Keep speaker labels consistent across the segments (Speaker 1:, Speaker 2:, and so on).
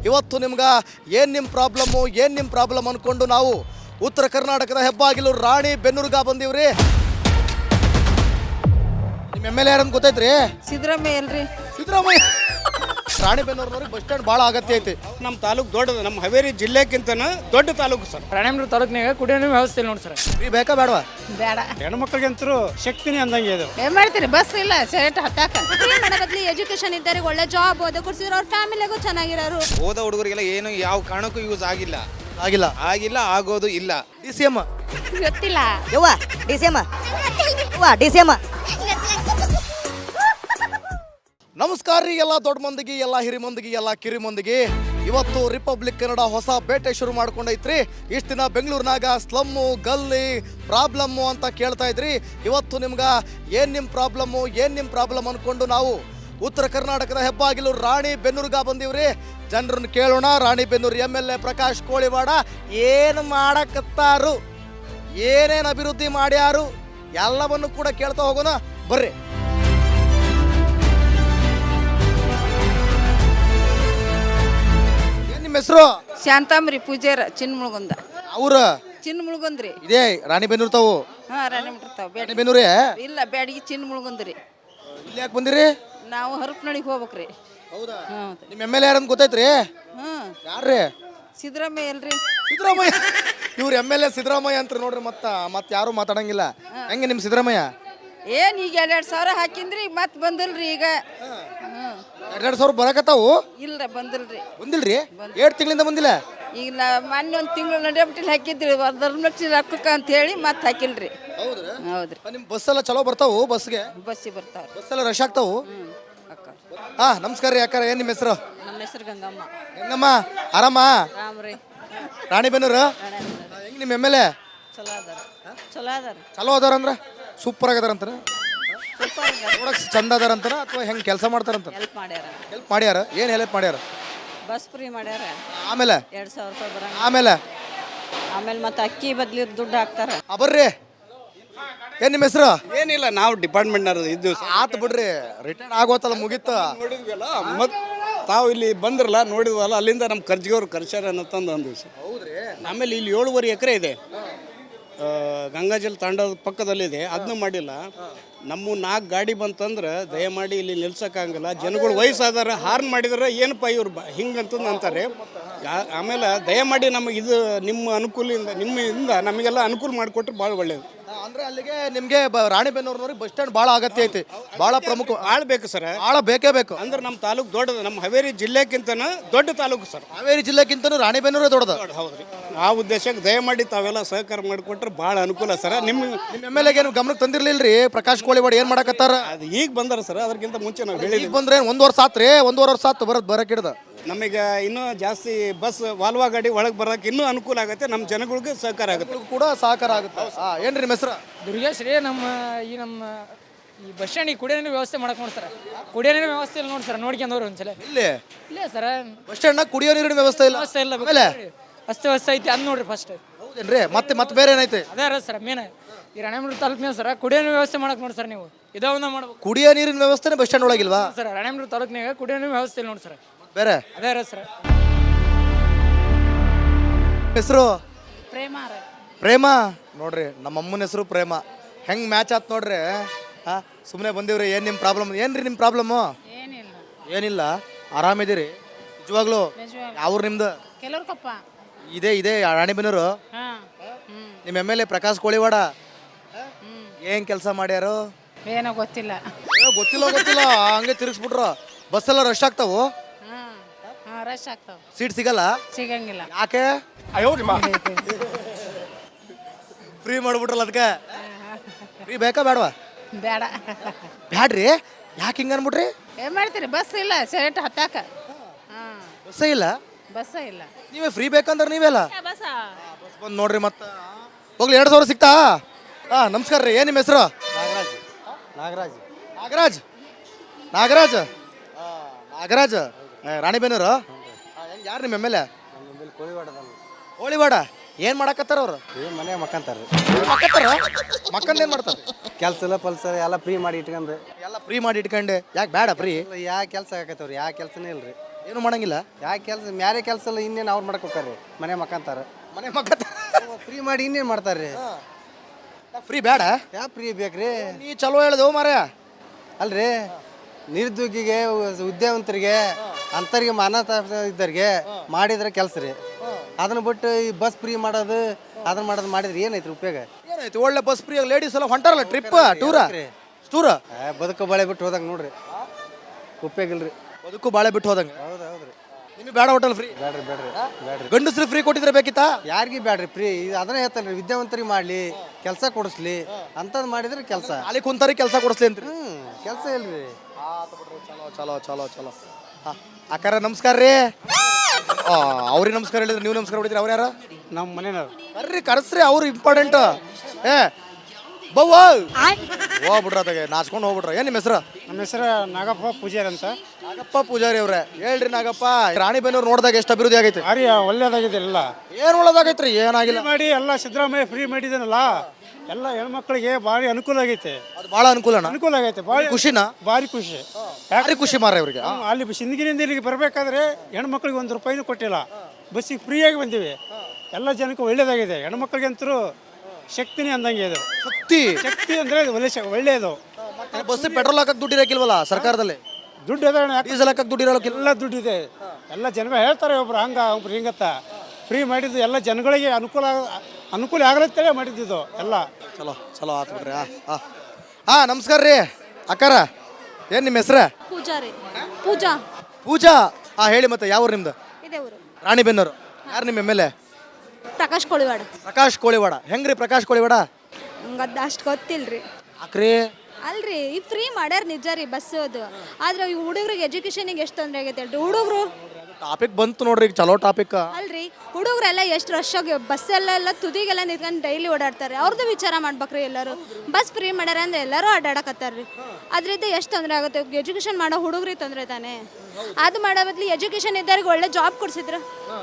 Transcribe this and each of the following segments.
Speaker 1: ಇವತ್ತು ನಿಮ್ಗೆ ಏನು ನಿಮ್ಮ ಪ್ರಾಬ್ಲಮ್ ಅಂದ್ಕೊಂಡು ನಾವು ಉತ್ತರ ಕರ್ನಾಟಕದ ಹೆಬ್ಬಾಗಿಲು ರಾಣಿಬೆನ್ನೂರಿಗೆ ಬಂದೀವ್ರಿ. ನಿಮ್ಮ ಎಮ್ ಎಲ್ ಎ ಯಾರಂತ ಗೊತ್ತೈತ್ರಿ?
Speaker 2: ಸಿದ್ದರಾಮಯ್ಯ ಅಲ್ರಿ.
Speaker 1: ಸಿದ್ದರಾಮಯ್ಯ. ರಾಣಿಬೆನ್ನೂರಿನವ್ರಿಗೆ ಬಸ್ ಸ್ಟ್ಯಾಂಡ್ ಭಾಳ ಅಗತ್ಯ ಐತಿ.
Speaker 3: ನಮ್ಮ ತಾಲೂಕು ದೊಡ್ಡದು, ನಮ್ಮ ಹಾವೇರಿ ಜಿಲ್ಲೆಕ್ಕಿಂತನೂ ದೊಡ್ಡ ತಾಲೂಕು ಸರ್.
Speaker 4: ರಾಣಿಬೆನ್ನೂರು ತಾಲೂಕಿನಾಗ ಕುಡಿಯೋ ನೀರು ವ್ಯವಸ್ಥೆ ನೋಡಿ ಸರ್.
Speaker 1: ಫ್ರೀ ಬೇಕಾ ಬೇಡವಾ?
Speaker 2: ಬೇಡ.
Speaker 3: ಹೆಣ್ಮಕ್ಳಿಗಂತರೂ ಶಕ್ತಿನೇ ಅಂದಂಗೆ ಇದು.
Speaker 2: ಏನ್ ಮಾಡ್ತೀರಿ, ಬಸ್ ಇಲ್ಲ ಸೇಟ್ ಹತ್ತಾಕ.
Speaker 5: ಮಾಡೋ ಬದಲು ಎಜುಕೇಶನ್ ಇದ್ದಾರೆ, ಒಳ್ಳೆ ಜಾಬ್ ಓದೋ ಕೊಡ್ಸಿದ್ರು, ಅವ್ರ ಫ್ಯಾಮಿಲಿಗೂ ಚೆನ್ನಾಗಿರೋರು.
Speaker 6: ಓದ ಹುಡುಗರಿಗೆಲ್ಲ ಏನು ಯಾವ ಕಾರಣಕ್ಕೂ ಯೂಸ್ ಆಗಿಲ್ಲ, ಆಗೋದು ಇಲ್ಲ.
Speaker 1: DCM
Speaker 5: ಗೊತ್ತಿಲ್ಲ.
Speaker 7: ಯವ್ವ DCM DCM.
Speaker 1: ನಮಸ್ಕಾರ ರೀ ಎಲ್ಲ ದೊಡ್ಡ ಮಂದಿಗೆ, ಎಲ್ಲ ಹಿರಿ ಮಂದಿಗೆ, ಎಲ್ಲ ಕಿರಿ ಮಂದಿಗೆ. ಇವತ್ತು ರಿಪಬ್ಲಿಕ್ ಕನ್ನಡ ಹೊಸ ಬೇಟೆ ಶುರು ಮಾಡ್ಕೊಂಡೈತ್ರಿ. ಇಷ್ಟು ದಿನ ಬೆಂಗಳೂರಿನಾಗ ಸ್ಲಮ್ಮು, ಗಲ್ಲಿ, ಪ್ರಾಬ್ಲಮ್ಮು ಅಂತ ಕೇಳ್ತಾ ಇದ್ರಿ. ಇವತ್ತು ನಿಮ್ಗೆ ಏನು ನಿಮ್ಮ ಪ್ರಾಬ್ಲಮ್ ಅಂದ್ಕೊಂಡು ನಾವು ಉತ್ತರ ಕರ್ನಾಟಕದ ಹೆಬ್ಬಾಗಿಲು ರಾಣಿಬೆನ್ನೂರಿಗೆ ಬಂದೀವ್ರಿ. ಜನರನ್ನು ಕೇಳೋಣ. ರಾಣಿಬೆನ್ನೂರು MLA ಪ್ರಕಾಶ್ ಕೋಳಿವಾಡ ಏನು ಮಾಡಕತ್ತಾರು, ಏನೇನು ಅಭಿವೃದ್ಧಿ ಮಾಡ್ಯಾರು, ಎಲ್ಲವನ್ನು ಕೂಡ ಕೇಳ್ತಾ ಹೋಗೋಣ ಬರ್ರಿ. ನಿಮ್ಮ ಹೆಸರು?
Speaker 2: ಶಾಂತಾಮ್ರಿ ಪೂಜಾರ ಚಿನ್ಮುಳ್ಗುಂದ.
Speaker 1: ಅವ್ರ
Speaker 2: ಚಿನ್ಮುಳ್ಗುಂದ್ರಿ.
Speaker 1: ಇದೇ ರಾಣಿಬೆನ್ನೂರು ತಾವು?
Speaker 2: ಹಾ ರಾಣಿಬಿಟ್ಟಿರ್ತಾವ.
Speaker 1: ರಾಣಿಬೆನ್ನೂರೇ?
Speaker 2: ಇಲ್ಲ ಬ್ಯಾಡಿಗೆ ಚಿನ್ಮುಳ್ಗುಂದ್ರಿ.
Speaker 1: ಇಲ್ಲಿ ಯಾಕೆ ಬಂದಿರಿ?
Speaker 2: ನಾವು ಹರಪನಹಳ್ಳಿಗೆ ಹೋಗ್ಬೇಕ್ರಿ.
Speaker 1: ಹೌದಾ?
Speaker 2: ಹೌದು.
Speaker 1: ನಿಮ್ಮ MLA ಯಾರಂತ ಗೊತ್ತೈತ್ರಿ? ಯಾರ್ರಿ?
Speaker 2: ಸಿದ್ದರಾಮಯ್ಯ ಅಲ್ರಿ.
Speaker 1: ಸಿದ್ದರಾಮಯ್ಯ. ಇವ್ರ MLA ಸಿದ್ದರಾಮಯ್ಯ ಅಂತ ನೋಡ್ರಿ. ಮತ್ತೆ ಯಾರು ಮಾತಾಡಂಗಿಲ್ಲ. ಹೆಂಗೆ ನಿಮ್ಮ ಸಿದ್ದರಾಮಯ್ಯ?
Speaker 2: ಏನ್ ಈಗ 2,000 ಹಾಕಿನ್ರಿ, ಮತ್ ಬಂದಿಲ್ರಿ ಈಗ.
Speaker 1: 2,000 ಬರಕತ್ತಾವು?
Speaker 2: ಇಲ್ಲ ಬಂದಿಲ್ರಿ.
Speaker 1: ಬಂದಿಲ್ರಿ? 7 ತಿಂಗಳಿಂದ ಬಂದಿಲ್ಲ?
Speaker 2: ಈಗ ಮೊನ್ನೆ ಒಂದು ತಿಂಗಳು ನಡಿಯಬಿಟ್ಟಿಲ್ ಹಾಕಿದ್ರಿ, ಧರ್ಮಲಕ್ಷ್ಮಿ ರೊಕ್ಕಕ್ಕ ಅಂತ ಹೇಳಿ ಮತ್ತೆ ಹಾಕಿಲ್ರಿ.
Speaker 1: ಹೌದ್ರಿ?
Speaker 2: ಹೌದ್ರಿ.
Speaker 1: ನಿಮ್ಮ ಬಸ್ ಎಲ್ಲ ಚಲೋ ಬರ್ತಾವು? ಬಸ್ಗೆ
Speaker 2: ಬಸ್ಸಿಗೆ ಬರ್ತಾವ್ರಿ.
Speaker 1: ಬಸ್ ಎಲ್ಲ ರಶ್ ಆಗ್ತಾವು?
Speaker 2: ಅಕ್ಕ
Speaker 1: ನಮಸ್ಕಾರ ರೀ ಅಕ್ಕಾರ. ಏನು ನಿಮ್ಮ ಹೆಸರು?
Speaker 2: ನಮ್ಮ ಹೆಸರು ಗಂಗಮ್ಮ.
Speaker 1: ಹೆಂಗಮ್ಮ ಆರಾಮ?
Speaker 2: ರಾಮ್ರಿ.
Speaker 1: ರಾಣಿಬೆನ್ನೂರು ಹೆಂಗೆ ನಿಮ್ಮ MLA?
Speaker 2: ಚಲೋ ಅದಾರ. ಚಲೋ ಅದಾರ.
Speaker 1: ಚಲೋ ಅದಾರ ಅಂದ್ರೆ ಸೂಪರ್ ಆಗದಾರಂತಾರ? ನೋಡಕ್ ಚಂದ ಅದಾರಂತಾರ ಅಥವಾ ಹೆಂಗೆ ಕೆಲಸ ಮಾಡ್ತಾರಂತ?
Speaker 2: ಹೆಲ್ಪ್ ಮಾಡ್ಯಾರ.
Speaker 1: ಹೆಲ್ಪ್ ಮಾಡ್ಯಾರ? ಏನು ಹೆಲ್ಪ್ ಮಾಡ್ಯಾರ?
Speaker 2: ಬಸ್ ಫ್ರೀ ಮಾಡ್ಯಾರ.
Speaker 1: ಆಮೇಲೆ
Speaker 2: 2,000 ರೂಪಾಯಿ ಬರಂಗ.
Speaker 1: ಆಮೇಲೆ
Speaker 2: ಮತ್ತೆ ಅಕ್ಕಿ ಬದ್ಲಿ ದುಡ್ಡು ಹಾಕ್ತಾರ.
Speaker 1: ಬರ್ರಿ. ಏನು ನಿಮ್ಮ ಹೆಸರು?
Speaker 3: ಏನಿಲ್ಲ, ನಾವು ಡಿಪಾರ್ಟ್ಮೆಂಟ್ನವ್ರು ಇದ್ದು
Speaker 1: ಆತು ಬಿಡ್ರಿ, ರಿಟರ್ನ್ ಆಗೋತಲ್ಲ, ಮುಗೀತು.
Speaker 3: ನೋಡಿದ್ವಲ್ಲ, ಮತ್ತು ತಾವು ಇಲ್ಲಿ ಬಂದ್ರಲ್ಲ ನೋಡಿದ್ವಲ್ಲ, ಅಲ್ಲಿಂದ ನಮ್ಮ ಕರ್ಜಿಗವ್ರು ಕರ್ಸ್ಯಾರ ಅನ್ನತ್ತಂದು ಒಂದು ದಿವಸ.
Speaker 1: ಹೌದ್ರಿ?
Speaker 3: ಆಮೇಲೆ ಇಲ್ಲಿ 7.5 ಎಕರೆ ಇದೆ, ಗಂಗಾಜಲ್ ತಾಂಡದ ಪಕ್ಕದಲ್ಲಿದೆ, ಅದನ್ನೂ ಮಾಡಿಲ್ಲ. ನಮ್ಮ 4 ಗಾಡಿ ಬಂತಂದ್ರೆ ದಯಮಾಡಿ ಇಲ್ಲಿ ನಿಲ್ಸೋಕ್ಕಾಗಲ್ಲ. ಜನಗಳು ವಯಸ್ಸಾದಾರ ಹಾರ್ನ್ ಮಾಡಿದ್ರೆ ಏನಪ್ಪ ಇವ್ರು ಹಿಂಗಂತಂದು ಅಂತಾರೆ. ಆಮೇಲೆ ದಯಮಾಡಿ ನಮಗೆ ಇದು ನಿಮ್ಮ ಅನುಕೂಲದಿಂದ ನಿಮ್ಮಿಂದ ನಮಗೆಲ್ಲ ಅನುಕೂಲ ಮಾಡಿಕೊಟ್ರೆ ಭಾಳ ಒಳ್ಳೇದು.
Speaker 1: ಅಂದ್ರೆ ಅಲ್ಲಿಗೆ ನಿಮಗೆ ರಾಣಿಬೆನ್ನೂರಿನವ್ರಿಗೆ ಬಸ್ ಸ್ಟ್ಯಾಂಡ್ ಭಾಳ ಅಗತ್ಯ ಐತಿ, ಭಾಳ ಪ್ರಮುಖ.
Speaker 3: ಆಳ್ಬೇಕು ಸರ್,
Speaker 1: ಭಾಳ ಬೇಕೇ ಬೇಕು.
Speaker 3: ಅಂದ್ರೆ ನಮ್ಮ ತಾಲೂಕು ದೊಡ್ಡದು, ನಮ್ಮ ಹಾವೇರಿ ಜಿಲ್ಲೆಕ್ಕಿಂತನೂ ದೊಡ್ಡ ತಾಲೂಕು ಸರ್.
Speaker 1: ಹಾವೇರಿ ಜಿಲ್ಲೆಗಿಂತನೂ ರಾಣಿಬೆನ್ನೂರೇ ದೊಡ್ಡದು.
Speaker 3: ಹೌದ್ರಿ. ಆ ಉದ್ದೇಶಕ್ಕೆ ದಯಮಾಡಿ ತಾವೆಲ್ಲ ಸಹಕಾರ ಮಾಡಿಕೊಟ್ರೆ ಭಾಳ ಅನುಕೂಲ ಸರ್. ನಿಮ್ಮ
Speaker 1: MLA ಏನು ಗಮನಕ್ಕೆ ತಂದಿರ್ಲಿಲ್ರಿ? ಪ್ರಕಾಶ್ ಕೋಳಿವಾಡ ಏನು ಮಾಡಕತ್ತಾರ?
Speaker 3: ಅದು ಈಗ ಬಂದಾರ ಸರ್, ಅದಕ್ಕಿಂತ ಮುಂಚೆ ನಾವು ಹೇಳಿದ್ವಿ.
Speaker 1: ಬಂದ್ರೆ 1 ವರ್ಷ ಆತ್ರಿ? 1.5 ವರ್ಷ ಆತು ಬರಕ್ಕೆ ಹಿಡ್ದ.
Speaker 3: ನಮಗೆ ಇನ್ನೂ ಜಾಸ್ತಿ ಬಸ್ ವಾಲ್ವಾ ಗಾಡಿ ಒಳಗೆ ಬರೋಕೆ ಇನ್ನೂ ಅನುಕೂಲ ಆಗುತ್ತೆ, ನಮ್ಮ ಜನಗಳಿಗೆ ಸಹಕಾರ ಆಗುತ್ತೆ.
Speaker 1: ಕೂಡ ಸಹಕಾರ ಆಗುತ್ತೆ. ಏನ್ರಿ ನಿಮ್ಮ ಹೆಸರು?
Speaker 4: ದುರ್ಗೇಶ್ ರೀ. ನಮ್ಮ ಈ ಬಸ್ ಸ್ಟ್ಯಾಂಡಿಗೆ ಕುಡಿಯೋ ನೀರು ವ್ಯವಸ್ಥೆ ಮಾಡಕ್ ನೋಡ್ತಾರೆ. ಕುಡಿಯೋ ನೀರಿನ ವ್ಯವಸ್ಥೆ ಇಲ್ಲ ನೋಡಿ ಸರ್, ನೋಡ್ಕೊಂಡವ್ರು ಒಂದ್ಸಲ.
Speaker 1: ಇಲ್ಲೇ
Speaker 4: ಸರ್
Speaker 1: ಬಸ್ ಸ್ಟ್ಯಾಂಡ್ನಾಗ ಕುಡಿಯೋ ನೀರಿನ ವ್ಯವಸ್ಥೆ ಇಲ್ಲ?
Speaker 4: ವ್ಯವಸ್ಥೆ ಇಲ್ಲ.
Speaker 1: ಆಮೇಲೆ
Speaker 4: ವ್ಯವಸ್ಥೆ ಐತಿ ಅದ್ ನೋಡ್ರಿ ಫಸ್ಟ್.
Speaker 1: ಹೌದೇನ್ರಿ? ಮತ್ತೆ ಬೇರೆ ಏನೈತಿ?
Speaker 4: ಅದೇ ಸರ್ ಮೇನ್ ಈ ರಾಣಿಬೆನ್ನೂರು ತಾಲೂಕಿನ ಸರ್ ಕುಡಿಯೋ ನೀರು ವ್ಯವಸ್ಥೆ ಮಾಡಕ್ ನೋಡಿ ಸರ್. ನೀವು ಇದನ್ನ ಮಾಡ್ಬೇಕು.
Speaker 1: ಕುಡಿಯೋ ನೀರಿನ ವ್ಯವಸ್ಥೆ ಬಸ್ ಸ್ಟ್ಯಾಂಡ್ ಒಳಗಿಲ್ವಾ
Speaker 4: ಸರ್? ರಾಣಿಬೆನ್ನೂರು ತಾಲೂಕಿನಾಗ ಕುಡಿಯೋ ನೀರು ವ್ಯವಸ್ಥೆ ಇಲ್ಲ ನೋಡಿ ಸರ್,
Speaker 1: ಬೇರೆ.
Speaker 4: ಅದೇ ಸರ್.
Speaker 1: ಹೆಸರು?
Speaker 2: ಪ್ರೇಮ
Speaker 1: ನೋಡ್ರಿ, ನಮ್ಮ ಅಮ್ಮನ ಹೆಸರು ಪ್ರೇಮ. ಹೆಂಗ್ ಮ್ಯಾಚ್ ಆತ್ ನೋಡ್ರಿ. ಸುಮ್ಮನೆ ಬಂದಿವ್ರಿ. ಏನು ನಿಮ್ಮ ಪ್ರಾಬ್ಲಮ್? ಏನ್ರಿ ನಿಮ್ಮ ಪ್ರಾಬ್ಲಮ್ಮು? ಏನಿಲ್ಲ, ಆರಾಮಿದ್ದೀರಿ ನಿಜವಾಗ್ಲು? ಯಾವ್ರು ನಿಮ್ದು?
Speaker 2: ಕೆಲವ್ರಕಪ್ಪ
Speaker 1: ಇದೆ ರಾಣಿಬೆನ್ನೂರು. ನಿಮ್ಮ MLA ಪ್ರಕಾಶ್ ಕೋಳಿವಾಡ ಏನ್ ಕೆಲಸ ಮಾಡ್ಯಾರು?
Speaker 2: ಏನೋ ಗೊತ್ತಿಲ್ಲ.
Speaker 1: ಗೊತ್ತಿಲ್ಲ ಹಂಗೆ ತಿರುಗಿಸ್ಬಿಟ್ರು. ಬಸ್ ಎಲ್ಲ ರಶ್ ಆಗ್ತಾವು?
Speaker 2: ರಶ್ ಆಗ್ತಾವ.
Speaker 1: ಸೀಟ್ ಸಿಗಲ್ಲ?
Speaker 2: ಸಿಗಂಗಿಲ್ಲ.
Speaker 1: ಯಾಕೆ? ಫ್ರೀ ಮಾಡ್ಬಿಟ್ರಲ್ಲ ಅದಕ್ಕೆ. ಫ್ರೀ ಬೇಕಾ ಬೇಡವಾ?
Speaker 2: ಬೇಡ.
Speaker 1: ಬ್ಯಾಡ್ರಿ? ಯಾಕೆ ಹಿಂಗ ಅನ್ಬಿಟ್ರಿ?
Speaker 2: ಏನ್ ಮಾಡ್ತೀರಿ, ಬಸ್ ಇಲ್ಲ ಸೇಟ್ ಹತ್ತಾಕ.
Speaker 1: ಬಸ್ಸೇ ಇಲ್ಲ?
Speaker 2: ಬಸ್ಸ ಇಲ್ಲ.
Speaker 1: ನೀವೇ ಫ್ರೀ ಬೇಕಂದ್ರೆ ನೀವೆಲ್ಲ
Speaker 2: ಬಸ್
Speaker 1: ಬಂದು ನೋಡ್ರಿ. ಮತ್ತೆ ಹೋಗ್ಲಿ, 2,000 ಸಿಗ್ತಾ? ನಮಸ್ಕಾರ ರೀ. ಏನು ನಿಮ್ಮ ಹೆಸರು? ನಾಗರಾಜ್ ರಾಣಿಬೆನ್ನೂರು. ಯಾರು ನಿಮ್ಮ MLA? ಕೋಳಿವಾಡ. ಏನು ಮಾಡಕತ್ತಾರ ಅವ್ರು?
Speaker 8: ಮನೆ ಮಕ್ಕಂತಾರ್ರಿ.
Speaker 1: ಮಕ್ಕಂದ ಏನು ಮಾಡ್ತಾರೆ?
Speaker 8: ಕೆಲಸ ಇಲ್ಲ ಪಲ್ಸರ್ ಎಲ್ಲ ಫ್ರೀ ಮಾಡಿ ಇಟ್ಕೊಂಡ್ರಿ.
Speaker 1: ಎಲ್ಲ ಫ್ರೀ ಮಾಡಿ ಇಟ್ಕೊಂಡೆ. ಯಾಕೆ ಬೇಡ ಫ್ರೀ?
Speaker 8: ಯಾವ ಕೆಲಸ ಆಕತ್ತವ್ರಿ? ಯಾವ ಕೆಲಸನೇ ಇಲ್ರಿ.
Speaker 1: ಏನು ಮಾಡಂಗಿಲ್ಲ
Speaker 8: ಯಾಕೆ ಕೆಲಸ ಮ್ಯಾಲೆ ಕೆಲಸ ಎಲ್ಲ ಇನ್ನೇನು ಅವ್ರು ಮಾಡಕ್ಕೆ ಹೋಗ್ತಾರೆ ಮನೆ ಮಕ್ಕಂತಾರೆ
Speaker 1: ಮನೆ ಮಕ್ಕ
Speaker 8: ಫ್ರೀ ಮಾಡಿ ಇನ್ನೇನು ಮಾಡ್ತಾರೆ
Speaker 1: ಫ್ರೀ ಬೇಡ
Speaker 8: ಯಾ ಫ್ರೀ ಬೇಕ್ರಿ
Speaker 1: ನೀ ಚಲೋ ಹೇಳ್ದೋ ಮಾರ್ಯ.
Speaker 8: ಅಲ್ರಿ ನಿರುದ್ಯೋಗಿಗೆ ಉದ್ಯೋಗವಂತರಿಗೆ ಅಂಥವ್ರಿಗೆ ಅನಾಥ ಇದ್ದವ್ರಿಗೆ ಮಾಡಿದ್ರೆ ಕೆಲಸ ರೀ. ಅದನ್ನ ಬಿಟ್ಟು ಈ ಬಸ್ ಫ್ರೀ ಮಾಡೋದು ಅದನ್ನ ಮಾಡಿದ್ರೆ ಏನೈತ್ರಿ ಉಪಯೋಗ?
Speaker 1: ಏನೈತಿ ಒಳ್ಳೆ ಬಸ್ ಫ್ರೀ ಲೇಡೀಸ್ ಎಲ್ಲ ಹೊಂಟಾರಲ್ಲ ಟ್ರಿಪ್ ಟೂರ
Speaker 8: ಬದುಕು ಬಾಳೆ ಬಿಟ್ಟು ಹೋದಂಗೆ ನೋಡ್ರಿ, ಉಪಯೋಗ ಇಲ್ರಿ.
Speaker 1: ಬದುಕು ಬಾಳೆ ಬಿಟ್ಟು ಹೋದಂಗೆ.
Speaker 8: ಹೌದು ಹೌದ್ರಿ.
Speaker 1: ನಿಮಗೆ ಬೇಡ ಹೋಟೆಲ್ ಫ್ರೀ?
Speaker 8: ಬೇಡ್ರಿ ಬೇಡ್ರಿ ಬೇಡ್ರಿ.
Speaker 1: ಗಂಡಸ್ರು ಫ್ರೀ ಕೊಟ್ಟಿದ್ರೆ ಬೇಕಿತ್ತಾ?
Speaker 8: ಯಾರಿಗೂ ಬೇಡ್ರಿ ಫ್ರೀ. ಇದು ಅದನ್ನ ಹೇಳ್ತಾನೆ ವಿದ್ಯಾವಂತರಿಗೆ ಮಾಡಲಿ, ಕೆಲಸ ಕೊಡಿಸ್ಲಿ ಅಂತದ್ ಮಾಡಿದ್ರೆ ಕೆಲಸ.
Speaker 1: ಅಲ್ಲಿ ಕುಂತಾರಿ ಕೆಲಸ ಕೊಡಿಸ್ಲಿ ಅಂತ್ರಿ.
Speaker 8: ಕೆಲಸ ಇಲ್ರಿ.
Speaker 1: ಚಲೋ ಚಲೋ ಚಲೋ ಚಲೋ. ಅಕ್ಕಾರ ನಮಸ್ಕಾರ ರೀ. ಅವ್ರಿಗೆ ನಮಸ್ಕಾರ ಹೇಳಿದ್ರೆ ನೀವು ನಮಸ್ಕಾರ ಹೊಡಿತೀರಿ. ಅವ್ರು ಯಾರು?
Speaker 8: ನಮ್ಮ ಮನೆಯವ್ರು.
Speaker 1: ಕರ್ರಿ ಕರೆಸ್ರಿ, ಅವ್ರು ಇಂಪಾರ್ಟೆಂಟ್. ಏ ಬವ್ವ ಹೋಗ್ಬಿಡ್ರತಾಗೆ ನಾಚ್ಕೊಂಡು ಹೋಗ್ಬಿಟ್ರ. ಏನ್ ನಿಮ್ಮ ಹೆಸರು?
Speaker 8: ನಮ್ಮ ಹೆಸರು ನಾಗಪ್ಪ ಪೂಜಾರಿ ಅಂತ.
Speaker 1: ನಾಗಪ್ಪ ಪೂಜಾರಿ ಅವ್ರೆ. ಹೇಳ್ರಿ ನಾಗಪ್ಪ, ರಾಣಿಬೆನ್ನೂರು ನೋಡಿದಾಗ ಎಷ್ಟು ಅಭಿವೃದ್ಧಿ ಆಗೈತೆ?
Speaker 8: ಭಾರಿ ಒಳ್ಳೇದಾಗಿದೆ ಎಲ್ಲ.
Speaker 1: ಏನ್ ಒಳ್ಳೇದಾಗೈತ್ರಿ? ಏನಾಗಿಲ್ಲ
Speaker 8: ಮಾಡಿ ಎಲ್ಲ ಸಿದ್ದರಾಮಯ್ಯ ಫ್ರೀ ಮಾಡಿದಾನಲ್ಲ, ಎಲ್ಲ ಹೆಣ್ಮಕ್ಳಿಗೆ ಭಾರಿ ಅನುಕೂಲ ಆಗೈತೆ.
Speaker 1: ಅದು ಬಹಳ ಅನುಕೂಲನ?
Speaker 8: ಅನುಕೂಲ ಆಗೈತೆ. ಭಾರಿ
Speaker 1: ಖುಷಿನಾ?
Speaker 8: ಭಾರಿ ಖುಷಿ.
Speaker 1: ಯಾಕ್ರಿ ಖುಷಿ ಮಾರ ಇವ್ರಿಗೆ?
Speaker 8: ಅಲ್ಲಿ ಸಿಂದಗಿರಿಯಿಂದ ಇಲ್ಲಿಗೆ ಬರಬೇಕಾದ್ರೆ ಹೆಣ್ಮಕ್ಳಿಗೆ ₹1 ಕೊಟ್ಟಿಲ್ಲ, ಬಸ್ಸಿಗೆ ಫ್ರೀಯಾಗಿ ಬಂದಿವಿ. ಎಲ್ಲ ಜನಕ್ಕೆ ಒಳ್ಳೇದಾಗಿದೆ. ಹೆಣ್ಮಕ್ಳಿಗಂತರೂ ಶಕ್ತಿನೇ ಅಂದಂಗೆ ಇದು. ಶಕ್ತಿ ಅಂದ್ರೆ ಒಳ್ಳೆಯದು.
Speaker 1: ಬಸ್ ಪೆಟ್ರೋಲ್ ಹಾಕಕ್ ದುಡ್ಡು ಇರಕಿಲ್ವಲ್ಲ ಸರ್ಕಾರದಲ್ಲಿ?
Speaker 8: ದುಡ್ಡು ಅದ,
Speaker 1: ಡೀಸೆಲ್ ಹಾಕಕ್ ದುಡ್ಡು ಇರೋಲ್ಲ.
Speaker 8: ಎಲ್ಲ ದುಡ್ಡಿದೆ. ಎಲ್ಲ ಜನಗಳು ಹೇಳ್ತಾರೆ, ಒಬ್ರು ಹಂಗ ಒಬ್ರು ಹಿಂಗತ್ತ. ಫ್ರೀ ಮಾಡಿದ್ದು ಎಲ್ಲ ಜನಗಳಿಗೆ ಅನುಕೂಲ ಆಗಲತ್ತೇಳಿ ಮಾಡಿದ್ದು ಎಲ್ಲ.
Speaker 1: ಚಲೋ ಚಲೋ ಆತ್ ಬಿಡ್ರಿ. ನಮಸ್ಕಾರ ರೀ ಅಕ್ಕಾರ. ಏನ್ ನಿಮ್ಮ ಹೆಸ್ರ?
Speaker 5: ಪೂಜಾರಿ. ಪೂಜಾ.
Speaker 1: ಪೂಜಾ. ಹೇಳಿ ಮತ್ತೆ ಯಾವ ಊರು ನಿಮ್ದು?
Speaker 5: ಇದೇ ಊರು.
Speaker 1: ರಾಣಿಬೆನ್ನೂರು. ಯಾರು ನಿಮ್ಮ M L A?
Speaker 5: Prakash Koliwad.
Speaker 1: Prakash Koliwad. ಹೆಂಗ್ರಿ ಪ್ರಕಾಶ್ ಕೋಳಿವಾಡ?
Speaker 5: ಹಂಗದ್ದು ಅಷ್ಟು ಗೊತ್ತಿಲ್ರಿ.
Speaker 1: ಯಾಕ್ರಿ?
Speaker 5: ಅಲ್ರಿ ಈ ಫ್ರೀ ಮಾಡ್ಯಾರ ನಿಜ ರೀ ಬಸ್ ಅದು. ಆದ್ರೆ ಈ ಹುಡುಗ್ರಿಗೆ ಎಜುಕೇಶನಿಗೆ ಎಷ್ಟು ತೊಂದರೆ ಆಗೈತೆ ಹೇಳ್ರಿ. ಹುಡುಗರು
Speaker 1: ಟಾಪಿಕ್ ಬಂತು ನೋಡ್ರಿ, ಈಗ ಚಲೋ ಟಾಪಿಕ್.
Speaker 5: ಅಲ್ರಿ ಹುಡುಗರೆಲ್ಲ ಎಷ್ಟು ರಶ್ ಆಗಿ ಬಸ್ಸೆಲ್ಲ ತುದಿಗೆಲ್ಲ ನಿಂತ್ಕೊಂಡು ಡೈಲಿ ಓಡಾಡ್ತಾರೆ. ಅವ್ರದ್ದು ವಿಚಾರ ಮಾಡ್ಬೇಕ್ರಿ ಎಲ್ಲರೂ. ಬಸ್ ಫ್ರೀ ಮಾಡ್ಯಾರ ಅಂದ್ರೆ ಎಲ್ಲರೂ ಅಡ್ಡಾಡಕತ್ತಾರ್ರಿ. ಅದರಿಂದ ಎಷ್ಟು ತೊಂದರೆ ಆಗುತ್ತೆ. ಎಜುಕೇಶನ್ ಮಾಡೋ ಹುಡುಗ್ರಿಗೆ ತೊಂದರೆ ತಾನೆ. ಅದು ಮಾಡೋ ಬದ್ಲಿ ಎಜುಕೇಶನ್ ಇದ್ದವ್ರಿಗೆ ಒಳ್ಳೆ ಜಾಬ್ ಕೊಡ್ಸಿದ್ರ.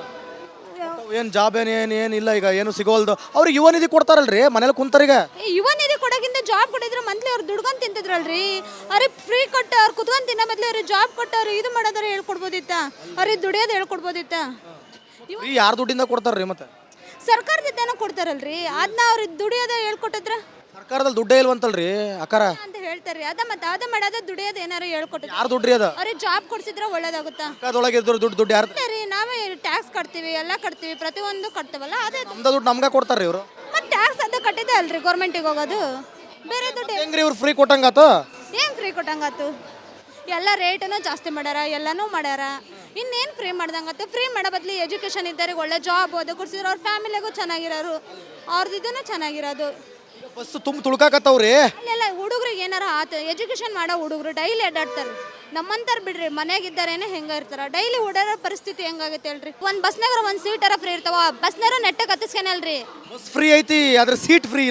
Speaker 1: ಏನ್ ಜಾಬ್ ಏನಿಲ್ಲ ಈಗ, ಏನು ಸಿಗೋಲ್ದು. ಅವ್ರಿಗೆ ಯುವ ನಿಧಿ ಕೊಡ್ತಾರಲ್ರಿ ಮನೇಲಿ ಕುಂತಾರೀಗ.
Speaker 5: ಯುವ ನಿಧಿ ಕೊಡೋಕ್ಕಿಂತ ಜಾಬ್ ಕೊಟ್ಟಿದ್ರೆ ಮಂತ್ಲಿ ಅವ್ರು ದುಡ್ಕೊಂಡ್ ತಿಂತಿದ್ರಲ್ರಿ. ಅವ್ರಿಗೆ ಫ್ರೀ ಕೊಟ್ಟು ಅವ್ರು ಕುತ್ಕೊಂಡ್ ತಿನ್ನೋ ಬದ್ಲಿ ಅವ್ರಿಗೆ ಜಾಬ್ ಕೊಟ್ಟು ಅವ್ರು ಇದು ಮಾಡೋದಾರ ಹೇಳ್ಕೊಡ್ಬೋದಿತ್ತ. ಅವ್ರಿಗೆ ದುಡಿಯೋದು ಹೇಳ್ಕೊಡ್ಬೋದಿತ್ತ.
Speaker 1: ಯಾರ ದುಡ್ಡಿಂದ ಕೊಡ್ತಾರ್ರಿ ಮತ್ತೆ?
Speaker 5: ಸರ್ಕಾರದಿಂದನೂ ಕೊಡ್ತಾರಲ್ರಿ. ಅದನ್ನ ಅವ್ರಿಗೆ ದುಡಿಯೋದ ಹೇಳ್ಕೊಟ್ಟಿದ್ರ.
Speaker 1: ಸರ್ಕಾರದಲ್ಲಿ ದುಡ್ಡೇ ಇಲ್ವಂತಲ್ರಿ ಅಕ್ಕಾರ
Speaker 5: ಅಂತ ಹೇಳ್ತಾರ್ರಿ. ಅದ ಮತ್ತೆ ಅದ ಮಾಡೋದ ದುಡಿಯೋದು ಏನಾರು ಹೇಳ್ಕೊಟ್ಟಿದ್ರು.
Speaker 1: ಯಾರು ದುಡ್ರಿ ಅದ?
Speaker 5: ಅವ್ರಿಗೆ ಜಾಬ್ ಕೊಡ್ಸಿದ್ರೆ ಒಳ್ಳೇದಾಗುತ್ತಾ?
Speaker 1: ಅದೊಳಗೆ ದುಡ್ಡು ಯಾರು?
Speaker 5: ರೀ ನಾವೇ ಟ್ಯಾಕ್ಸ್ ಕಟ್ತೀವಿ, ಎಲ್ಲ ಕಟ್ತೀವಿ, ಪ್ರತಿಯೊಂದು ಕಟ್ತೀವಲ್ಲ. ಅದೇ
Speaker 1: ನಮ್ದ ದುಡ್ಡು ನಮ್ಗೆ ಕೊಡ್ತಾರ್ರಿ ಇವರು.
Speaker 5: ಮತ್ತೆ ಟ್ಯಾಕ್ಸ್ ಅದ ಕಟ್ಟಿದೆ ಅಲ್ರಿ ಗೌರ್ಮೆಂಟಿಗೆ ಹೋಗೋದು. ಬೇರೆ ದುಡ್ಡು
Speaker 1: ಹೆಂಗ್ರಿ ಇವ್ರು ಫ್ರೀ ಕೊಟ್ಟಂಗಾತು?
Speaker 5: ಏನ್ ಫ್ರೀ ಕೊಟ್ಟಂಗಾತು? ಎಲ್ಲ ರೇಟನ್ನು ಜಾಸ್ತಿ ಮಾಡ್ಯಾರ, ಎಲ್ಲನೂ ಮಾಡ್ಯಾರ. ಇನ್ನೇನು ಫ್ರೀ ಮಾಡ್ದಂಗತ್ತೆ? ಫ್ರೀ ಮಾಡೋ ಬದ್ಲಿ ಎಜುಕೇಶನ್ ಇದ್ದವ್ರಿಗೆ ಒಳ್ಳೆ ಜಾಬ್ ಓದೋ ಕೊಡ್ಸಿದ್ರು. ಅವ್ರ ಫ್ಯಾಮಿಲಿಗೂ ಚೆನ್ನಾಗಿರೋರು, ಅವ್ರದ್ದು ಇದನ್ನು ಚೆನ್ನಾಗಿರೋದು.
Speaker 1: ಬಸ್ ತುಂಬ ತುಳ್ಕಾಕತ್ತವ್ರಿ.
Speaker 5: ಅಲ್ಲೆಲ್ಲ ಹುಡುಗ್ರಿಗೆ ಏನಾರ ಆತ ಎಜುಕೇಶನ್ ಮಾಡೋ ಹುಡುಗರು ಡೈಲಿ ಅಡ್ಡಾಡ್ತಾರೆ. ನಮ್ಮಂತಾರ ಬಿಡ್ರಿ, ಮನೆಯಾಗಿದ್ದಾರೇನೆ ಹೆಂಗ ಇರ್ತಾರ. ಡೈಲಿ ಓಡಾಡೋ ಪರಿಸ್ಥಿತಿ ಹೆಂಗಾಗತ್ತೆ ಹೇಳ್ರಿ. ಒಂದು ಬಸ್ನಾಗ ಒಂದು ಸೀಟರ ಫ್ರೀ ಇರ್ತಾವ, ಬಸ್ನಾರ ನೆಟ್ಟಗೆ ಹತ್ತಿಸ್ಕೇನಲ್ರಿ.
Speaker 1: ಬಸ್ ಫ್ರೀ ಐತಿ, ಆದ್ರೆ ಸೀಟ್ ಫ್ರೀ